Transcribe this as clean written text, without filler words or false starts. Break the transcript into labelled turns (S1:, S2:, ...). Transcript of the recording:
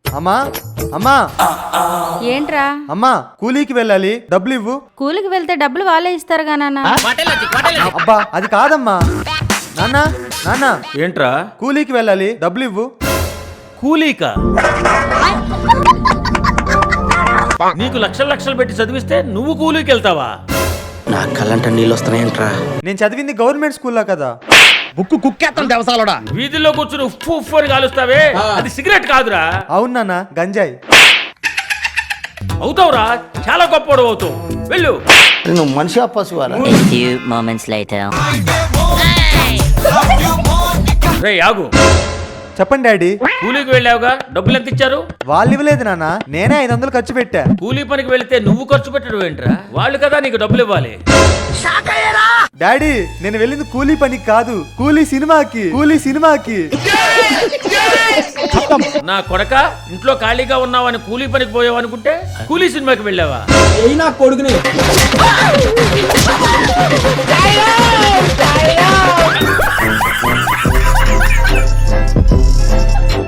S1: అమ్మా అమ్మా
S2: ఏంట్రా?
S1: అమ్మా కూలీకి వెళ్ళాలి, డబ్బులు ఇవ్వు.
S2: కూలికి వెళ్తే డబ్బులు వాళ్ళే ఇస్తారుగా నాన్న.
S1: అబ్బా అది కాదమ్మా. నాన్న నాన్న
S3: ఏంట్రా?
S1: కూలీకి వెళ్ళాలి, డబ్బులు ఇవ్వు.
S3: కూలీకా? నీకు లక్షలు లక్షలు పెట్టి చదివిస్తే నువ్వు కూలీకి వెళ్తావా?
S4: నా కళ్ళంట నీళ్ళు వస్తున్నాయంట్రా.
S1: నేను చదివింది గవర్నమెంట్ స్కూల్లో కదా.
S5: బుక్కు కుక్కేస్తాం దేవసాలోడా.
S3: వీధిలో కూర్చుని ఉఫ్ ఉఫ్ అని కాలుస్తావే, అది సిగరెట్ కాదురా.
S1: అవును నాన్న, గంజాయి.
S3: అవుతావురా, చాలా గొప్పవాడు అవుతావు. వెళ్ళు.
S4: నువ్వు మనిషి పశువారా?
S6: A few moments later.
S3: రే ఆగు.
S1: చెప్పండి డాడీ.
S3: కూలీకి వెళ్ళావుగా, డబ్బులు ఎంత ఇచ్చారు?
S1: వాళ్ళు ఇవ్వలేదు నాన్న, నేనే 500 ఖర్చు పెట్టా.
S3: కూలీ పనికి వెళితే నువ్వు ఖర్చు పెట్టడం ఏంట్రా? వాళ్ళు కదా నీకు డబ్బులు ఇవ్వాలి.
S1: డాడీ నేను వెళ్ళింది కూలీ పనికి కాదు, కూలీ సినిమాకి. కూలీ సినిమాకి.
S3: నా కొడక, ఇంట్లో ఖాళీగా ఉన్నావని కూలీ పనికి పోయావు అనుకుంటే కూలీ సినిమాకి వెళ్ళావా?
S5: కొడుకుని